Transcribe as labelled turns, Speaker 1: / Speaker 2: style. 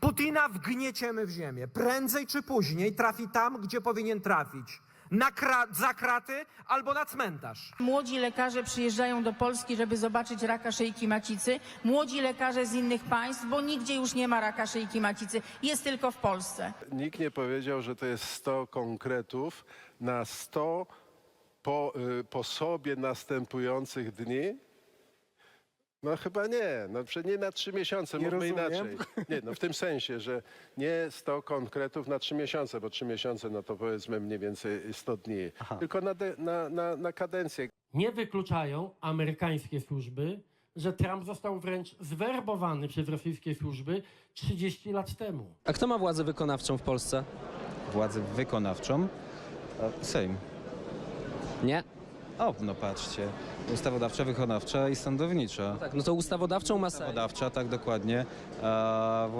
Speaker 1: Putina wgnieciemy w ziemię. Prędzej czy później trafi tam, gdzie powinien trafić. Za kraty albo na cmentarz.
Speaker 2: Młodzi lekarze przyjeżdżają do Polski, żeby zobaczyć raka szyjki macicy. Młodzi lekarze z innych państw, bo nigdzie już nie ma raka szyjki macicy. Jest tylko w Polsce.
Speaker 3: Nikt nie powiedział, że to jest 100 konkretów na 100 po sobie następujących dni. No chyba nie, no nie na 3 miesiące,
Speaker 4: Nie
Speaker 3: mówmy
Speaker 4: rozumiem.
Speaker 3: inaczej. Nie, no w tym sensie, że nie 100 konkretów na 3 miesiące, bo 3 miesiące no to powiedzmy mniej więcej 100 dni, tylko na kadencję.
Speaker 5: Nie wykluczają amerykańskie służby, że Trump został wręcz zwerbowany przez rosyjskie służby 30 lat temu.
Speaker 6: A kto ma władzę wykonawczą w Polsce?
Speaker 7: Władzę wykonawczą? Sejm.
Speaker 6: Nie?
Speaker 7: O, no patrzcie. Ustawodawcza, wykonawcza i sądownicza.
Speaker 6: Tak, no to ustawodawczą ma Sejm.
Speaker 7: Ustawodawcza, tak dokładnie.